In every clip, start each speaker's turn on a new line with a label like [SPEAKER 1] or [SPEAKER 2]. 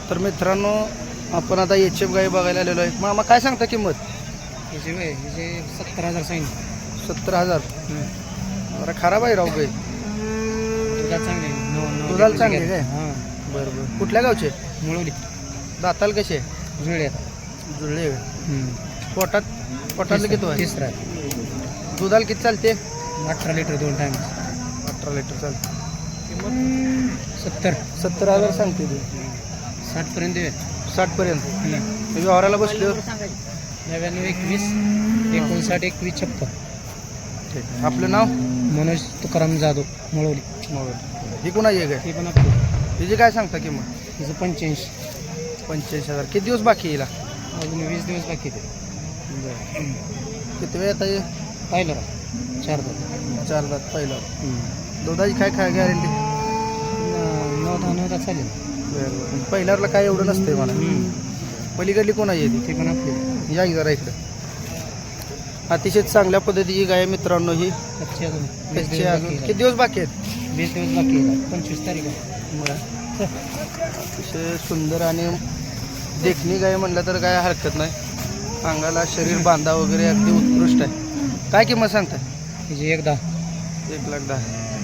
[SPEAKER 1] तर मित्रांनो आपण आता एच-एफ गाई बघायला आलेलो आहे. मामा काय सांगता किंमत?
[SPEAKER 2] हिचे 70,000 सांगितलं.
[SPEAKER 1] 70,000. जरा खराब आहे राव गाई.
[SPEAKER 2] दुधाला चांगले
[SPEAKER 1] दुधाला चांगले काय?
[SPEAKER 2] हां
[SPEAKER 1] बरं बरं. कुठल्या गावचे?
[SPEAKER 2] मुळवली
[SPEAKER 1] दाताल कसे?
[SPEAKER 2] जुळले
[SPEAKER 1] जुळले. पोटातलं किती आहे?
[SPEAKER 2] तिसरा
[SPEAKER 1] दुधाला किती चालते?
[SPEAKER 2] 18 लिटर 2 टाइम.
[SPEAKER 1] 18 लिटर चालते.
[SPEAKER 2] 70,000
[SPEAKER 1] सांगते तू.
[SPEAKER 2] 60 पर्यंत देऊया.
[SPEAKER 1] 60 पर्यंत. व्यवहाराला बसले
[SPEAKER 2] 99 21 59 21 56.
[SPEAKER 1] आपलं नाव?
[SPEAKER 2] मनोज तुकाराम जाधव मुळवली.
[SPEAKER 1] ही कुणाची आहे काय?
[SPEAKER 2] हे पण आपलं.
[SPEAKER 1] तिची काय सांगता किंमत?
[SPEAKER 2] तिचं 85.
[SPEAKER 1] 85,000. किती दिवस बाकी येईल?
[SPEAKER 2] अजून 20 दिवस बाकी ते.
[SPEAKER 1] किती वेळ येता येईल?
[SPEAKER 2] पाहिलं 4 दात.
[SPEAKER 1] 4 दात पहिला. दुधाची काय गॅरंटी?
[SPEAKER 2] 9 दात चालेल.
[SPEAKER 1] बरं. पहिल्याला काय एवढं नसतंय मला. पलीकडली कोणाची आहे
[SPEAKER 2] ते पण आपले.
[SPEAKER 1] ती? या जरा इकडं. अतिशय चांगल्या पद्धतीची गाय आहे मित्रांनो ही.
[SPEAKER 2] कच्चे अजून
[SPEAKER 1] किती दिवस बाकी आहेत?
[SPEAKER 2] 20 दिवस बाकी आहे. 25 तारीख आहे.
[SPEAKER 1] अतिशय सुंदर आणि देखणी गाय म्हणलं तर काय हरकत नाही. अंगाला शरीर बांधा वगैरे अगदी उत्कृष्ट आहे. काय किंमत सांगताय?
[SPEAKER 2] तिची 1,10.
[SPEAKER 1] 1,10,000.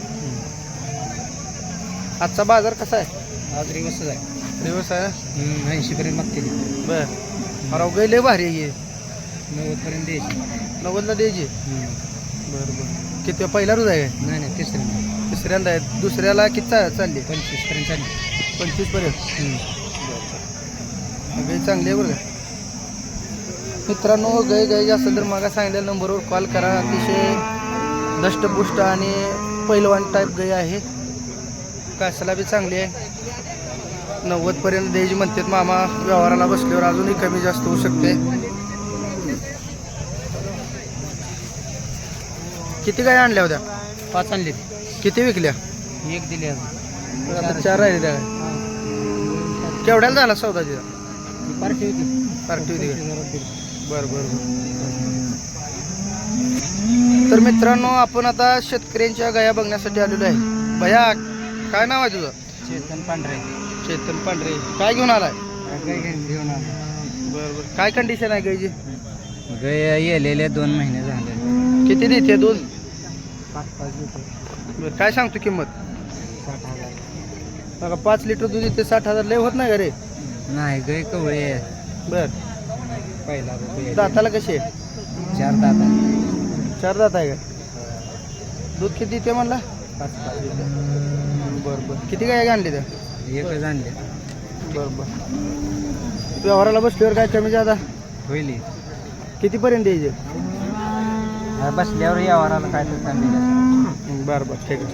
[SPEAKER 1] आजचा बाजार कसा आहे?
[SPEAKER 2] आज रिवर्सच आहे.
[SPEAKER 1] दिवस आहे.
[SPEAKER 2] 80 पर्यंत मागते ती.
[SPEAKER 1] बरं. अरे गाय लय भारी आहे.
[SPEAKER 2] 90 पर्यंत द्यायची.
[SPEAKER 1] 90ला द्यायची. बरं बरं. किती पहिला रोज आहे?
[SPEAKER 2] नाही
[SPEAKER 1] तिसऱ्यांदा आहे. दुसऱ्याला किती चालली?
[SPEAKER 2] 25 पर्यंत चालली.
[SPEAKER 1] 25 पर्यंत. गाय चांगली आहे बरं का मित्रांनो. गाय असेल तर मला सांगितलेल्या नंबरवर कॉल करा. अतिशय दष्टपुष्ट आणि पैलवान टाईप गाय आहे. कासाला बी चांगली आहे. 90 पर्यंत द्यायची म्हणतात मामा. व्यवहाराला बसल्यावर अजूनही कमी जास्त होऊ शकते. किती गाय आणल्या होत्या?
[SPEAKER 2] 5 आणली.
[SPEAKER 1] किती विकल्या?
[SPEAKER 2] 1 दिली अजून.
[SPEAKER 1] आता 4 राहिले त्या. केवढ्याला झाला सौदा तिचा?
[SPEAKER 2] पार्टी होती.
[SPEAKER 1] बरं. तर मित्रांनो आपण आता शेतकऱ्यांच्या गाया बघण्यासाठी आलेलो आहे. भैया काय नाव आहे तुझं?
[SPEAKER 2] चेतन पांढरे.
[SPEAKER 1] चेतन पांढरे. काय घेऊन आलाय?
[SPEAKER 2] घेऊन आलो.
[SPEAKER 1] बरं. काय कंडिशन आहे गायची?
[SPEAKER 2] गाय येलेले 2 महिने झाले.
[SPEAKER 1] किती देते दूध?
[SPEAKER 2] 5 लिटर.
[SPEAKER 1] बरं. काय सांगतो किंमत?
[SPEAKER 2] 60,000.
[SPEAKER 1] बघा 5 लिटर दूध येते. 60,000 लय होत नाही का रे?
[SPEAKER 2] नाही गाय कवळे आहे.
[SPEAKER 1] बरं.
[SPEAKER 2] पहिला
[SPEAKER 1] दाताला कशी आहे?
[SPEAKER 2] 4 दात आहे.
[SPEAKER 1] 4 दात आहे का? दूध किती येते म्हणला?
[SPEAKER 2] 5 लिटर.
[SPEAKER 1] बरं. किती गाय आणली त्या?
[SPEAKER 2] एकच आणले.
[SPEAKER 1] बरं. व्यवहाराला बसल्यावर काय कमी जादा
[SPEAKER 2] होईल.
[SPEAKER 1] कितीपर्यंत द्यायचे?
[SPEAKER 2] बसल्यावर यावराला काय तर चांगली.
[SPEAKER 1] बरं. ठीक आहे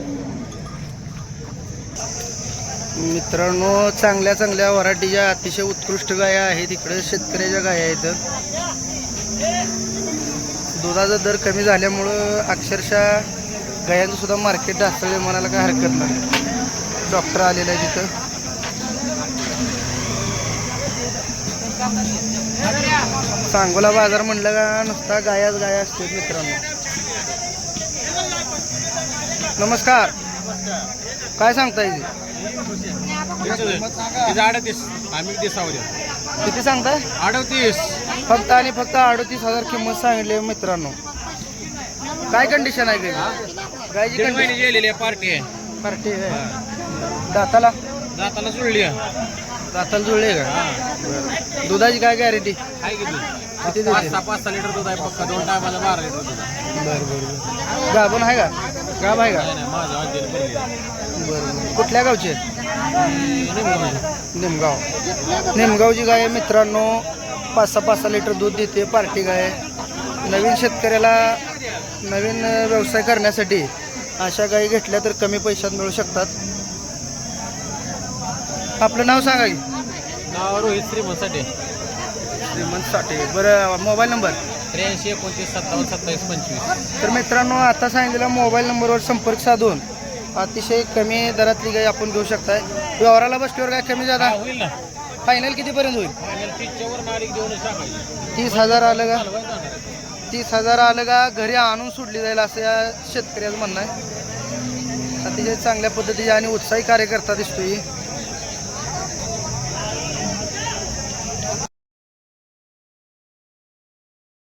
[SPEAKER 1] मित्रांनो. चांगल्या व्हरायटीच्या अतिशय उत्कृष्ट गाया आहेत. इकडे शेतकऱ्याच्या गाया आहेत. दुधाचा दर कमी झाल्यामुळं अक्षरशः गायांचं सुद्धा मार्केट ढासळले म्हणायला काय हरकत नाही. डॉक्टर आलेला आहे तिथं. सांगोला बाजार म्हणलं का नुसता गाया असतात मित्रांनो. नमस्कार. काय सांगताय?
[SPEAKER 2] 38. आम्ही
[SPEAKER 1] किती सांगताय?
[SPEAKER 2] 38.
[SPEAKER 1] फक्त 38,000 किंमत सांगितली मित्रांनो. काय कंडिशन आहे गायची?
[SPEAKER 2] गेलेली पार्टी आहे.
[SPEAKER 1] पार्टी आहे. दाताला
[SPEAKER 2] जुळली.
[SPEAKER 1] दाताला जुळले का? दुधाची काय गॅरंटी? किती देते?
[SPEAKER 2] 5 लिटर दूध आहे. पक्का 2 टायमाला 12 लिटर दूध.
[SPEAKER 1] बरं. गाभण आहे का? गाभ आहे का? बरं. कुठल्या गावचे? निमगावची गाय आहे मित्रांनो. 5-6 लिटर दूध देते. पार्टी गाय. नवीन शेतकऱ्याला नवीन व्यवसाय करण्यासाठी अशा गायी घेतल्या तर कमी पैशात मिळू शकतात. आपलं नाव सांगा की.
[SPEAKER 2] नाव रोहित श्रीमंत
[SPEAKER 1] साठे. बरं. Mobile number?
[SPEAKER 2] 83 29 57 27 25.
[SPEAKER 1] तर मित्रांनो आता सांगितलेल्या मोबाईल नंबरवर संपर्क साधून अतिशय कमी दरातली गाय आपण घेऊ शकताय. व्यवहाराला बसल्यावर काय कमी जादा
[SPEAKER 2] होईल ना?
[SPEAKER 1] फायनल कितीपर्यंत होईल? 30,000 आलं का? 30,000 आलं का घरी आणून सोडली जाईल असं या शेतकऱ्याचं म्हणणं आहे. अतिशय चांगल्या पद्धतीचे आणि उत्साही कार्यकर्ता दिसतोय.